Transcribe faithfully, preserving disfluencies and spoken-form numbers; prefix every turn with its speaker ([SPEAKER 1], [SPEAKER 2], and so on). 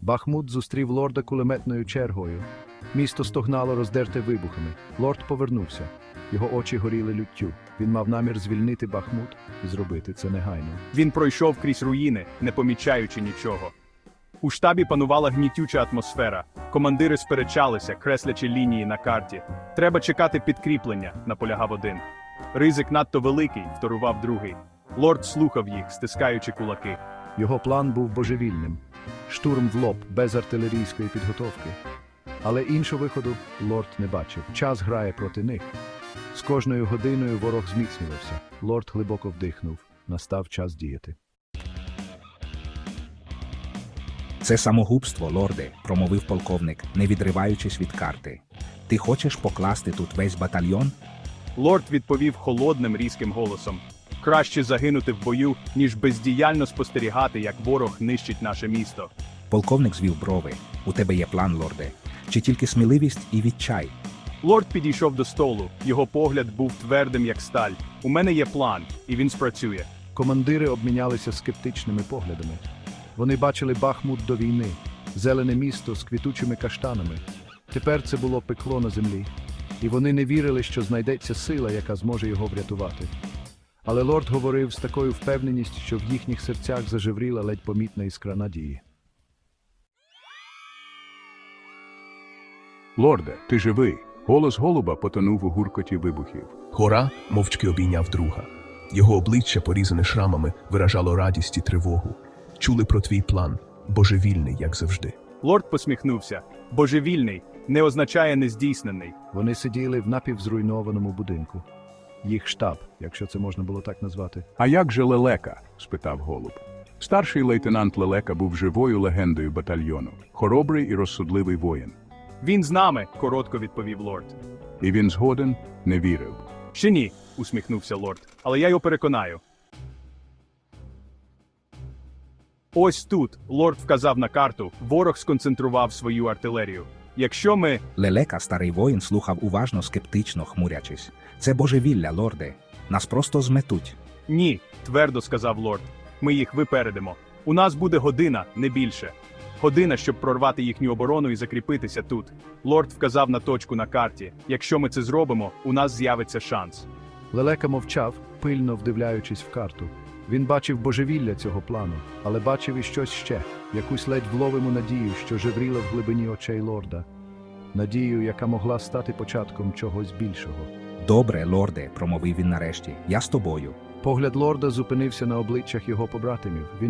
[SPEAKER 1] Бахмут зустрів лорда кулеметною чергою. Місто стогнало роздерте вибухами. Лорд повернувся. Його очі горіли люттю. Він мав намір звільнити Бахмут і зробити це негайно.
[SPEAKER 2] Він пройшов крізь руїни, не помічаючи нічого. У штабі панувала гнітюча атмосфера. Командири сперечалися, креслячи лінії на карті. «Треба чекати підкріплення», – наполягав один. «Ризик надто великий», – вторував другий. Лорд слухав їх, стискаючи кулаки.
[SPEAKER 1] Його план був божевільним. Штурм в лоб, без артилерійської підготовки. Але іншого виходу лорд не бачив. Час грає проти них. З кожною годиною ворог зміцнювався. Лорд глибоко вдихнув. Настав час діяти.
[SPEAKER 3] «Це самогубство, лорде», – промовив полковник, не відриваючись від карти. «Ти хочеш покласти тут весь батальйон?»
[SPEAKER 2] Лорд відповів холодним, різким голосом. «Краще загинути в бою, ніж бездіяльно спостерігати, як ворог нищить наше місто».
[SPEAKER 3] Полковник звів брови. «У тебе є план, лорде? Чи тільки сміливість і відчай?»
[SPEAKER 2] Лорд підійшов до столу. Його погляд був твердим, як сталь. «У мене є план, і він спрацює».
[SPEAKER 1] Командири обмінялися скептичними поглядами. Вони бачили Бахмут до війни, зелене місто з квітучими каштанами. Тепер це було пекло на землі. І вони не вірили, що знайдеться сила, яка зможе його врятувати. Але лорд говорив з такою впевненістю, що в їхніх серцях зажевріла ледь помітна іскра надії.
[SPEAKER 4] «Лорде, ти живий!» Голос голуба потонув у гуркоті вибухів.
[SPEAKER 5] Гора мовчки обійняв друга. Його обличчя, порізане шрамами, виражало радість і тривогу. Чули про твій план, божевільний, як завжди.
[SPEAKER 2] Лорд посміхнувся. «Божевільний» не означає нездійснений.
[SPEAKER 1] Вони сиділи в напівзруйнованому будинку. Їх штаб, якщо це можна було так назвати.
[SPEAKER 4] «А як же Лелека?» – спитав голуб. Старший лейтенант Лелека був живою легендою батальйону. Хоробрий і розсудливий воїн.
[SPEAKER 2] «Він з нами», – коротко відповів лорд.
[SPEAKER 4] І він згоден не вірив.
[SPEAKER 2] «Ще ні», – усміхнувся лорд. «Але я його переконаю». Ось тут, лорд вказав на карту, ворог сконцентрував свою артилерію. Якщо ми...
[SPEAKER 3] Лелека, старий воїн, слухав уважно, скептично, хмурячись. «Це божевілля, лорде. Нас просто зметуть».
[SPEAKER 2] Ні, твердо сказав лорд. Ми їх випередимо. У нас буде година, не більше. Година, щоб прорвати їхню оборону і закріпитися тут. Лорд вказав на точку на карті. Якщо ми це зробимо, у нас з'явиться шанс.
[SPEAKER 1] Лелека мовчав, пильно вдивляючись в карту. Він бачив божевілля цього плану, але бачив і щось ще, якусь ледь вловиму надію, що жевріла в глибині очей лорда. Надію, яка могла стати початком чогось більшого.
[SPEAKER 3] «Добре, лорде», – промовив він нарешті, – «я з тобою».
[SPEAKER 1] Погляд лорда зупинився на обличчях його побратимів. Він